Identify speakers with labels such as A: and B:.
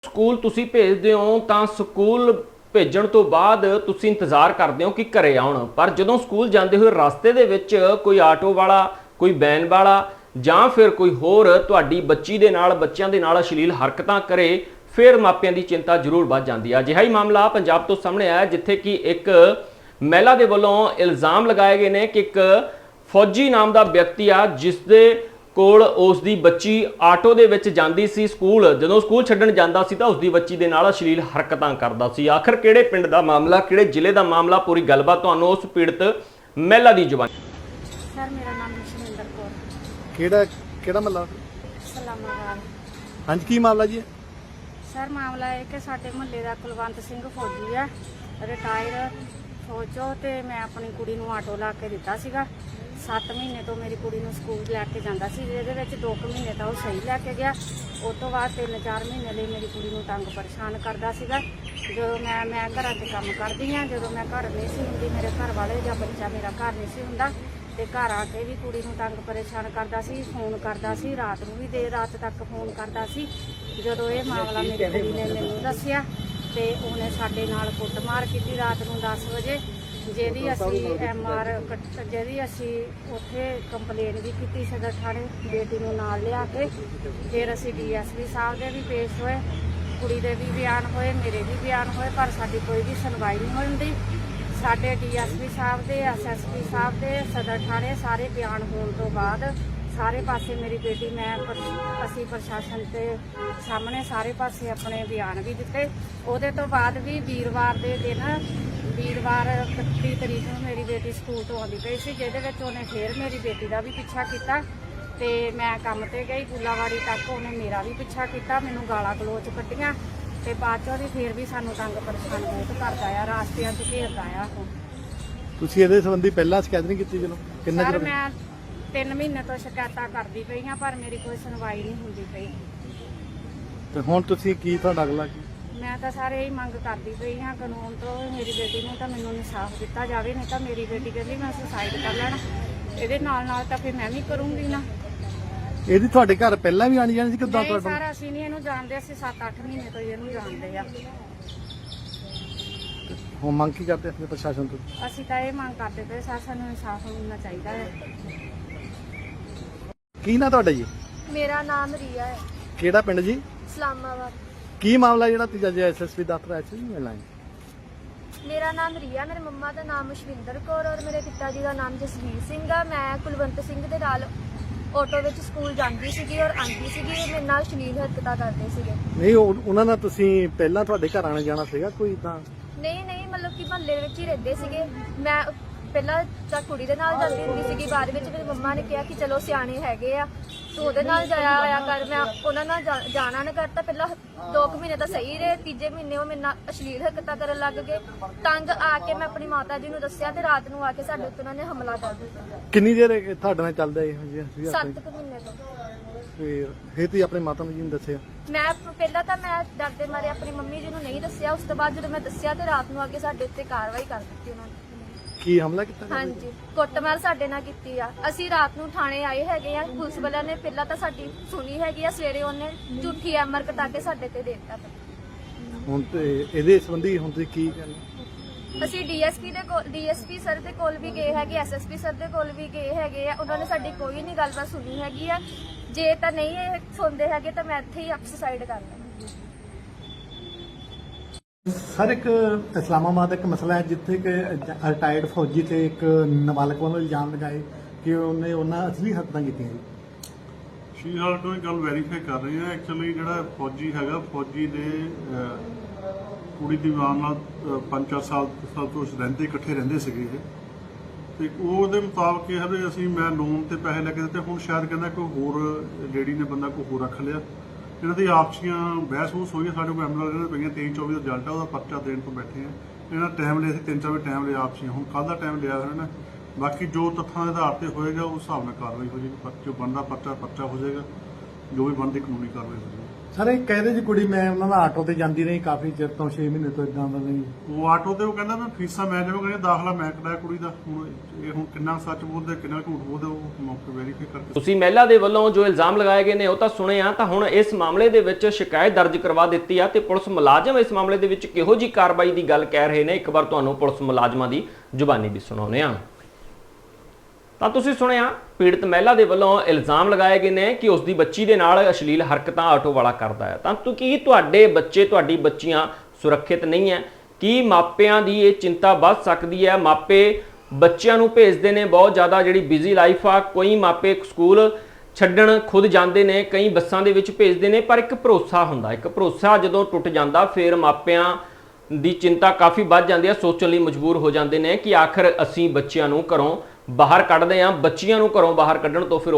A: School ਤੁਸੀਂ ਭੇਜਦੇ ਹੋ ਤਾਂ ਸਕੂਲ ਭੇਜਣ ਤੋਂ ਬਾਅਦ ਤੁਸੀਂ ਇੰਤਜ਼ਾਰ ਕਰਦੇ ਹੋ ਕਿ ਘਰੇ ਆਉਣ, ਪਰ ਜਦੋਂ ਸਕੂਲ ਜਾਂਦੇ ਹੋਏ ਰਸਤੇ ਦੇ ਵਿੱਚ ਕੋਈ ਆਟੋ ਵਾਲਾ, ਕੋਈ ਵੈਨ ਵਾਲਾ ਜਾਂ ਫਿਰ ਕੋਈ ਹੋਰ ਤੁਹਾਡੀ ਬੱਚੀ ਦੇ ਨਾਲ, ਬੱਚਿਆਂ ਦੇ ਨਾਲ ਅਸ਼ਲੀਲ ਹਰਕਤਾਂ ਕਰੇ, ਫਿਰ ਮਾਪਿਆਂ ਦੀ ਚਿੰਤਾ ਜ਼ਰੂਰ ਵੱਧ ਜਾਂਦੀ ਹੈ। ਅਜਿਹਾ ਹੀ ਮਾਮਲਾ ਪੰਜਾਬ ਤੋਂ ਸਾਹਮਣੇ ਆਇਆ ਜਿੱਥੇ ਕਿ ਇੱਕ ਮਹਿਲਾ ਦੇ ਵੱਲੋਂ ਇਲਜ਼ਾਮ ਲਗਾਏ ਗਏ ਨੇ ਕਿ ਇੱਕ ਫੌਜੀ ਨਾਮ ਦਾ ਵਿਅਕਤੀ ਆ ਜਿਸ ਦੇ ਕੋਲ ਉਸ ਦੀ ਬੱਚੀ ਆਟੋ ਦੇ ਵਿੱਚ ਜਾਂਦੀ ਸੀ ਸਕੂਲ, ਜਦੋਂ ਸਕੂਲ ਛੱਡਣ ਜਾਂਦਾ ਸੀ ਤਾਂ ਉਸ ਦੀ ਬੱਚੀ ਦੇ ਨਾਲ ਅਸ਼ਲੀਲ ਹਰਕਤਾਂ ਕਰਦਾ ਸੀ। ਆਖਰ ਕਿਹੜੇ ਪਿੰਡ ਦਾ ਮਾਮਲਾ, ਕਿਹੜੇ ਜ਼ਿਲ੍ਹੇ ਦਾ ਮਾਮਲਾ, ਪੂਰੀ ਗੱਲਬਾਤ ਤੁਹਾਨੂੰ ਉਸ ਪੀੜਤ ਮਹਿਲਾ ਦੀ ਜ਼ੁਬਾਨ।
B: ਸਰ ਮੇਰਾ ਨਾਮ ਸ਼ਮਿੰਦਰ ਕੌਰ।
C: ਕਿਹੜਾ ਮਹੱਲਾ?
B: ਸਲਾਮਾਬਾਦ।
C: ਹਾਂਜੀ, ਕੀ ਮਾਮਲਾ ਜੀ?
B: ਸਰ ਮਾਮਲਾ ਇਹ ਕਿ ਸਾਡੇ ਮੁਹੱਲੇ ਦਾ ਕੁਲਵੰਤ ਸਿੰਘ ਫੌਜੀ ਆ, ਰਿਟਾਇਰ ਫੌਜੋਂ, ਤੇ ਮੈਂ ਆਪਣੀ ਕੁੜੀ ਨੂੰ ਆਟੋ ਲਾ ਕੇ ਦਿੱਤਾ ਸੀਗਾ। 7 ਮਹੀਨੇ ਤੋਂ ਮੇਰੀ ਕੁੜੀ ਨੂੰ ਸਕੂਲ ਲੈ ਕੇ ਜਾਂਦਾ ਸੀ, ਜਿਹਦੇ ਵਿੱਚ 2 ਮਹੀਨੇ ਤਾਂ ਉਹ ਸਹੀ ਲੈ ਕੇ ਗਿਆ। ਉਸ ਤੋਂ ਬਾਅਦ 3-4 ਮਹੀਨੇ ਲਈ ਮੇਰੀ ਕੁੜੀ ਨੂੰ ਤੰਗ ਪਰੇਸ਼ਾਨ ਕਰਦਾ ਸੀਗਾ। ਜਦੋਂ ਮੈਂ ਘਰਾਂ 'ਚ ਕੰਮ ਕਰਦੀ ਹਾਂ, ਜਦੋਂ ਮੈਂ ਘਰ ਨਹੀਂ ਸੀ ਹੁੰਦੀ, ਮੇਰੇ ਘਰ ਵਾਲੇ ਜਾਂ ਬੱਚਾ ਮੇਰਾ ਘਰ ਨਹੀਂ ਸੀ ਹੁੰਦਾ, ਤੇ ਘਰ ਆ ਕੇ ਵੀ ਕੁੜੀ ਨੂੰ ਤੰਗ ਪਰੇਸ਼ਾਨ ਕਰਦਾ ਸੀ, ਫੋਨ ਕਰਦਾ ਸੀ, ਰਾਤ ਨੂੰ ਵੀ ਦੇਰ ਰਾਤ ਤੱਕ ਫੋਨ ਕਰਦਾ ਸੀ। ਜਦੋਂ ਇਹ ਮਾਮਲਾ ਮੇਰੀ ਕੁੜੀ ਨੇ ਮੈਨੂੰ ਦੱਸਿਆ ਤੇ ਉਹਨੇ ਸਾਡੇ ਨਾਲ ਕੁੱਟਮਾਰ ਕੀਤੀ ਰਾਤ ਨੂੰ 10 ਵਜੇ, ਜਿਹਦੀ ਅਸੀਂ ਉੱਥੇ ਕੰਪਲੇਨ ਵੀ ਕੀਤੀ ਸਦਰ ਥਾਣੇ, ਬੇਟੀ ਨੂੰ ਨਾਲ ਲਿਆ ਕੇ। ਫਿਰ ਅਸੀਂ DSP ਸਾਹਿਬ ਦੇ ਵੀ ਪੇਸ਼ ਹੋਏ, ਕੁੜੀ ਦੇ ਵੀ ਬਿਆਨ ਹੋਏ, ਮੇਰੇ ਵੀ ਬਿਆਨ ਹੋਏ, ਪਰ ਸਾਡੀ ਕੋਈ ਵੀ ਸੁਣਵਾਈ ਨਹੀਂ ਹੁੰਦੀ। ਸਾਡੇ DSP ਸਾਹਿਬ ਦੇ, SSP ਸਾਹਿਬ ਦੇ, ਸਦਰ ਥਾਣੇ ਸਾਰੇ ਬਿਆਨ ਹੋਣ ਤੋਂ ਬਾਅਦ ਸਾਰੇ ਪਾਸੇ ਮੇਰੀ ਬੇਟੀ, ਅਸੀਂ ਪ੍ਰਸ਼ਾਸਨ ਦੇ ਸਾਹਮਣੇ ਸਾਰੇ ਪਾਸੇ ਆਪਣੇ ਬਿਆਨ ਵੀ ਦਿੱਤੇ। ਉਹਦੇ ਤੋਂ ਬਾਅਦ ਵੀ ਵੀਰਵਾਰ ਦੇ ਦਿਨ, ਵੀਰਵਾਰ 31 ਤਰੀਕ ਨੂੰ ਮੇਰੀ ਬੇਟੀ ਸਕੂਲ ਤੋਂ ਆਉਂਦੀ ਪਈ ਸੀ, ਜਿਹਦੇ ਵਿੱਚ ਉਹਨੇ ਫਿਰ ਮੇਰੀ ਬੇਟੀ ਦਾ ਵੀ ਪਿੱਛਾ ਕੀਤਾ ਤੇ ਮੈਂ ਕੰਮ ਤੇ ਗਈ ਗੁੱਲਾਵਾੜੀ ਤੱਕ, ਉਹਨੇ ਮੇਰਾ ਵੀ ਪਿੱਛਾ ਕੀਤਾ, ਮੈਨੂੰ ਗਾਲਾਂ ਗਲੋਚ ਕੱਢੀਆਂ ਤੇ ਬਾਅਦ ਚੋਂ ਫਿਰ ਵੀ ਸਾਨੂੰ ਤੰਗ ਪਰੇਸ਼ਾਨ ਬਹੁਤ ਕਰਦਾ ਆ, ਰਾਸਤਿਆਂ 'ਚ ਘੇਰਦਾ ਆ ਉਹ।
C: ਤੁਸੀਂ ਇਹਦੇ ਸੰਬੰਧੀ ਪਹਿਲਾਂ ਸ਼ਿਕਾਇਤ ਨਹੀਂ ਕੀਤੀ? ਚਲੋ ਕਿੰਨਾ
B: ਸਰ
C: ਚਿਰ?
B: ਮੈਂ 3 ਮਹੀਨੇ ਤੋਂ ਸ਼ਿਕਾਇਤਾਂ ਕਰਦੀ ਪਈ ਹਾਂ, ਪਰ ਮੇਰੀ ਕੋਈ ਸੁਣਵਾਈ ਨਹੀਂ ਹੁੰਦੀ ਪਈ।
C: ਤੇ ਹੁਣ ਤੁਸੀਂ ਕੀ, ਤੁਹਾਡਾ ਅਗਲਾ ਕੀ?
B: ਮੈਂ ਤਾਂ ਸਾਰੇ ਹੀ ਮੰਗ ਕਰਦੀ ਪਈ ਹਾਂ ਕਾਨੂੰਨ ਤੋਂ, ਮੇਰੀ ਬੇਟੀ ਨੂੰ ਤਾਂ ਮੈਨੂੰ ਇਨਸਾਫ ਦਿੱਤਾ ਜਾਵੇ, ਨਹੀਂ ਤਾਂ ਮੇਰੀ ਬੇਟੀ ਕਹਿੰਦੀ ਮੈਂ ਸੁਸਾਈਡ ਕਰ ਲੈਣਾ। ਇਹਦੇ ਨਾਲ ਤਾਂ ਫਿਰ ਮੈਂ ਵੀ ਕਰੂੰਗੀ ਨਾ।
C: ਇਹਦੀ ਤੁਹਾਡੇ ਘਰ ਪਹਿਲਾਂ ਵੀ ਆਣੀ ਜਾਣੀ ਸੀ ਕਿੱਦਾਂ?
B: ਨਹੀਂ ਸਰ, ਅਸੀਂ ਨਹੀਂ ਇਹਨੂੰ ਜਾਣਦੇ, ਅਸੀਂ 7-8 ਮਹੀਨੇ ਤੋਂ ਇਹਨੂੰ ਜਾਣਦੇ ਆ।
C: ਹੁਣ ਮੰਗ ਕੀ ਕਰਦੇ ਆਪਣੇ ਪ੍ਰਸ਼ਾਸਨ ਤੋਂ?
B: ਅਸੀਂ ਤਾਂ ਇਹ ਮੰਗ ਕਰਦੇ ਪਏ ਸਰ, ਸਾਨੂੰ ਇਨਸਾਫ ਮਿਲਣਾ ਚਾਹੀਦਾ ਹੈ।
C: ਕੀ ਨਾਂ ਤੁਹਾਡਾ ਜੀ?
D: ਮੇਰਾ ਨਾਮ ਰੀਆ ਹੈ।
C: ਕਿਹੜਾ ਪਿੰਡ ਜੀ?
D: ਇਸਲਾਮਾਬਾਦ।
C: ਕੀ ਮਾਮਲਾ ਜਿਹੜਾ ਤੀਜਾ ਜੀ SSP ਦਫ਼ਤਰ ਆਇਆ ਸੀ ਮਿਲਣਾ?
D: ਮੇਰਾ ਨਾਮ ਰੀਆ, ਮੇਰੇ ਮੰਮਾ ਦਾ ਨਾਮ ਸ਼ਵਿੰਦਰ ਕੌਰ ਔਰ ਮੇਰੇ ਪਿਤਾ ਜੀ ਦਾ ਨਾਮ ਜਸਵੀਰ ਸਿੰਘ ਆ। ਮੈਂ ਕੁਲਵੰਤ ਸਿੰਘ ਦੇ ਨਾਲ ਆਟੋ ਵਿੱਚ ਸਕੂਲ ਜਾਂਦੀ ਸੀਗੀ ਔਰ ਆਉਂਦੀ ਸੀਗੀ, ਮੇਰੇ ਨਾਲ ਅਸ਼ਲੀਲ ਹਰਕਤਾਂ ਕਰਦੇ ਸੀਗੇ।
C: ਨਹੀਂ, ਉਹਨਾਂ ਨਾਲ ਤੁਸੀਂ ਪਹਿਲਾਂ ਤੁਹਾਡੇ ਘਰ ਆਣਾ ਜਾਣਾ ਸੀਗਾ ਕੋਈ ਤਾਂ?
D: ਨਹੀਂ, ਮਤਲਬ ਕਿ ਮਹੱਲੇ ਵਿੱਚ ਹੀ ਰਹਿੰਦੇ ਸੀਗੇ। ਮੈਂ ਪਹਿਲਾਂ ਤਾਂ ਕੁੜੀ ਦੇ ਨਾਲ ਜਾਂਦੀ ਹੁੰਦੀ ਸੀਗੀ, ਬਾਅਦ ਵਿੱਚ ਮੇਰੀ ਮੰਮਾ ਨੇ ਕਿਹਾ ਕਿ ਚਲੋ ਸਿਆਣੇ ਹੈਗੇ ਆ ਤੂੰ ਉਹਦੇ ਨਾਲ ਜਾਇਆ ਹੋਇਆ ਕਰ। ਮੈਂ ਉਹਨਾਂ ਨਾਲ ਜਾਣਾ ਨਾ ਕਰਤਾ। ਪਹਿਲਾਂ 2 ਮਹੀਨੇ ਤਾਂ ਸਹੀ ਰਹੇ, ਤੀਜੇ ਮਹੀਨੇ ਉਹ ਮੇਰੇ ਨਾਲ ਅਸ਼ਲੀਲ ਹਰਕਤਾਂ ਕਰਨ ਲੱਗ ਗਏ। ਤੰਗ ਆ ਕੇ ਮੈਂ ਆਪਣੀ ਮਾਤਾ ਜੀ ਨੂੰ ਦੱਸਿਆ ਤੇ ਰਾਤ ਨੂੰ ਆ ਕੇ ਸਾਡੇ ਉੱਤੇ ਉਹਨਾਂ ਨੇ ਹਮਲਾ ਕਰ ਦਿੱਤਾ।
C: ਕਿੰਨੀ ਦੇਰ ਤੁਹਾਡੇ ਨਾਲ ਚੱਲਦਾ ਇਹੋ ਜਿਹਾ?
D: 7 ਮਹੀਨੇ ਤੋਂ।
C: ਫਿਰ ਤੁਸੀਂ ਆਪਣੇ ਮਾਤਾ ਨੂੰ ਜੀ ਨੂੰ ਦੱਸਿਆ?
D: ਮੈਂ ਪਹਿਲਾਂ ਤਾਂ ਮੈਂ ਡਰਦੇ ਮਾਰੇ ਆਪਣੀ ਮੰਮੀ ਜੀ ਨੂੰ ਨਹੀਂ ਦੱਸਿਆ, ਉਸ ਤੋਂ ਬਾਅਦ ਜਦੋਂ ਮੈਂ ਦੱਸਿਆ ਤੇ ਰਾਤ ਨੂੰ ਆ ਕੇ ਸਾਡੇ ਉੱਤੇ ਕਾਰਵਾਈ ਕਰ ਦਿੱਤੀ ਉਹਨਾਂ ਨੇ।
C: ਕੀ ਹਮਲਾ ਕੀਤਾ?
D: ਹਾਂਜੀ, ਕੁੱਟਮਾਰ ਸਾਡੇ ਨਾਲ ਕੀਤੀ ਆ। ਅਸੀਂ ਰਾਤ ਨੂੰ ਥਾਣੇ ਆਏ ਹੈਗੇ ਆ, ਪੁਲਿਸ ਵਾਲਿਆਂ ਨੇ ਪਹਿਲਾਂ ਤਾਂ ਸਾਡੀ ਸੁਣੀ ਹੈਗੀ ਆ, ਸਵੇਰੇ ਉਹਨੇ ਝੂਠੀ ਐਮਆਰ ਕਟਾ ਕੇ ਸਾਡੇ ਤੇ ਦੇ ਦਿੱਤਾ।
C: ਹੁਣ ਤੇ ਇਹਦੇ ਸੰਬੰਧੀ ਹੁਣ ਤੁਸੀਂ ਕੀ ਕਰਨਾ?
D: ਅਸੀਂ DSP ਸਰ ਦੇ ਕੋਲ ਵੀ ਗਏ ਹੈਗੇ, SSP ਸਰ ਦੇ ਕੋਲ ਵੀ ਗਏ ਹੈਗੇ ਆ, ਉਹਨਾਂ ਨੇ ਸਾਡੀ ਕੋਈ ਨਹੀਂ ਗੱਲਬਾਤ ਸੁਣੀ ਹੈਗੀ ਆ। ਜੇ ਤਾਂ ਨਹੀਂ ਇਹ ਸੁਣਦੇ ਹੈਗੇ ਤਾਂ ਮੈਂ ਇੱਥੇ ਹੀ ਸੁਸਾਈਡ ਕਰ ਲੈਣਾ।
C: ਸਰ, ਇੱਕ ਇਸਲਾਮਾਬਾਦ ਇੱਕ ਮਸਲਾ ਹੈ ਜਿੱਥੇ ਕਿ ਰਿਟਾਇਰਡ ਫੌਜੀ ਤੇ ਇੱਕ ਨਾਬਾਲਗ ਵੱਲੋਂ ਇਲਜ਼ਾਮ ਲਗਾਏ ਕਿ ਉਹਨੇ ਉਹਨਾਂ ਅਸਲੀ ਹਰਕਤਾਂ ਕੀਤੀਆਂ ਜੀ।
E: ਫਿਲਹਾਲ ਤੋਂ ਇਹ ਗੱਲ ਵੈਰੀਫਾਈ ਕਰ ਰਹੇ ਹਾਂ। ਐਕਚੁਅਲੀ ਜਿਹੜਾ ਫੌਜੀ ਹੈਗਾ, ਫੌਜੀ ਦੇ ਕੁੜੀ ਦੀ ਮਾਂ ਨਾਲ 5-4 ਸਾਲ ਤੋਂ ਰਹਿੰਦੇ, ਇਕੱਠੇ ਰਹਿੰਦੇ ਸੀਗੇ ਇਹ, ਤੇ ਉਹਦੇ ਮੁਤਾਬਕ ਇਹ ਹੈ ਵੀ ਮੈਂ ਲੋਨ ਤੇ ਪੈਸੇ ਲੈ ਕੇ ਦਿੱਤੇ। ਹੁਣ ਸ਼ਾਇਦ ਕਹਿੰਦਾ ਕੋਈ ਹੋਰ ਲੇਡੀ ਨੇ ਬੰਦਾ ਕੋਈ ਹੋਰ ਰੱਖ ਲਿਆ। ਇਹਨਾਂ ਦੀ ਆਪਸੀਆਂ ਬਹਿਸ-ਬੂਸ ਹੋਈ ਹੈ, ਸਾਡੇ ਕੋਲ ਐਮਐਲਏ ਪਈਆਂ 23-24 ਦਾ ਰਿਜ਼ਲਟ ਆ, ਉਹਦਾ ਪਰਚਾ ਦੇਣ ਤੋਂ ਬੈਠੇ ਆ। ਇਹਨਾਂ ਟਾਈਮ ਲਿਆ ਸੀ 3-4 ਟਾਈਮ ਲਿਆ ਆਪਸੀਆਂ, ਹੁਣ ਕੱਲ੍ਹ ਦਾ ਟਾਈਮ ਲਿਆ ਹੋਇਆ ਨਾ। ਬਾਕੀ ਜੋ ਤੱਥਾਂ ਦੇ ਆਧਾਰ ਤੇ ਹੋਏਗਾ ਉਸ ਹਿਸਾਬ ਨਾਲ ਕਾਰਵਾਈ ਹੋ ਜਾਏਗੀ। ਜੋ ਬਣਦਾ ਪਰਚਾ ਹੋ ਜਾਏਗਾ, ਜੋ ਵੀ ਬਣਦੀ ਕਾਨੂੰਨੀ ਕਾਰਵਾਈ ਹੋ ਜਾਏਗੀ।
C: ਸਰ ਇਹ ਕਹਿੰਦੇ ਜੀ ਕੁੜੀ ਮੈਂ ਉਹਨਾਂ ਦਾ ਆਟੋ ਤੇ ਜਾਂਦੀ ਰਹੀ ਕਾਫੀ ਚਿਰ ਤੋਂ 6 ਮਹੀਨੇ ਤੋਂ ਇਦਾਂ ਦਾ ਨਹੀਂ।
E: ਉਹ ਆਟੋ ਤੇ ਉਹ ਕਹਿੰਦਾ ਮੈਂ ਫੀਸਾਂ ਮੈਂ ਜਮ੍ਹਾਂ ਕਰੀਆਂ, ਦਾਖਲਾ ਮੈਂ ਕਰਾਇਆ ਕੁੜੀ ਦਾ। ਹੁਣ ਇਹ ਹੁਣ ਕਿੰਨਾ ਸੱਚ ਬੋਲਦੇ ਕਿੰਨਾ ਝੂਠ ਬੋਲਦੇ ਉਹ ਮੌਕੇ ਵੈਰੀਫਾਈ ਕਰਕੇ।
A: ਤੁਸੀਂ ਮਹਿਲਾ ਦੇ ਵੱਲੋਂ ਜੋ ਇਲਜ਼ਾਮ ਲਗਾਏ ਗਏ ਨੇ ਉਹ ਤਾਂ ਸੁਣੇ ਆ, ਤਾਂ ਹੁਣ ਇਸ ਮਾਮਲੇ ਦੇ ਵਿੱਚ ਸ਼ਿਕਾਇਤ ਦਰਜ ਕਰਵਾ ਦਿੱਤੀ ਆ ਤੇ ਪੁਲਿਸ ਮੁਲਾਜ਼ਮ ਇਸ ਮਾਮਲੇ ਦੇ ਵਿੱਚ ਕਿਹੋ ਜੀ ਕਾਰਵਾਈ ਦੀ ਗੱਲ ਕਹਿ ਰਹੇ ਨੇ, ਇੱਕ ਵਾਰ ਤੁਹਾਨੂੰ ਪੁਲਿਸ ਮੁਲਾਜ਼ਮਾਂ ਦੀ ਜ਼ੁਬਾਨੀ ਵੀ ਸੁਣਾਉਂਦੇ ਆ। ਤਾਂ ਤੁਸੀਂ ਸੁਣਿਆ ਪੀੜਤ ਮਹਿਲਾ ਦੇ ਵੱਲੋਂ ਇਲਜ਼ਾਮ ਲਗਾਏ ਗਏ ਨੇ ਕਿ ਉਸ ਦੀ ਬੱਚੀ ਦੇ ਨਾਲ ਅਸ਼ਲੀਲ ਹਰਕਤਾਂ ਆਟੋ ਵਾਲਾ ਕਰਦਾ ਹੈ। ਤਾਂ ਕੀ ਤੁਹਾਡੇ ਬੱਚੇ ਤੁਹਾਡੀ ਬੱਚੀਆਂ ਸੁਰੱਖਿਅਤ ਨਹੀਂ ਹੈ? ਕੀ ਮਾਪਿਆਂ ਦੀ ਇਹ ਚਿੰਤਾ ਵੱਧ ਸਕਦੀ ਹੈ? ਮਾਪੇ ਬੱਚਿਆਂ ਨੂੰ ਭੇਜਦੇ ਨੇ, ਬਹੁਤ ਜ਼ਿਆਦਾ ਜਿਹੜੀ ਬਿਜ਼ੀ ਲਾਈਫ ਆ, ਕੋਈ ਮਾਪੇ ਸਕੂਲ ਛੱਡਣ ਖੁਦ ਜਾਂਦੇ ਨੇ, ਕਈ ਬੱਸਾਂ ਦੇ ਵਿੱਚ ਭੇਜਦੇ ਨੇ, ਪਰ ਇੱਕ ਭਰੋਸਾ ਹੁੰਦਾ, ਇੱਕ ਭਰੋਸਾ ਜਦੋਂ ਟੁੱਟ ਜਾਂਦਾ ਫਿਰ ਮਾਪਿਆਂ ਦੀ ਚਿੰਤਾ ਕਾਫੀ ਵੱਧ ਜਾਂਦੀ ਹੈ, ਸੋਚਣ ਲਈ ਮਜਬੂਰ ਹੋ ਜਾਂਦੇ ਨੇ ਕਿ ਆਖਰ ਅਸੀਂ ਬੱਚਿਆਂ ਨੂੰ ਘਰੋਂ ਬਾਹਰ ਕੱਢਦੇ ਹਾਂ। ਬੱਚੀਆਂ ਨੂੰ ਘਰੋਂ ਬਾਹਰ ਕੱਢਣ ਤੋਂ ਫਿਰ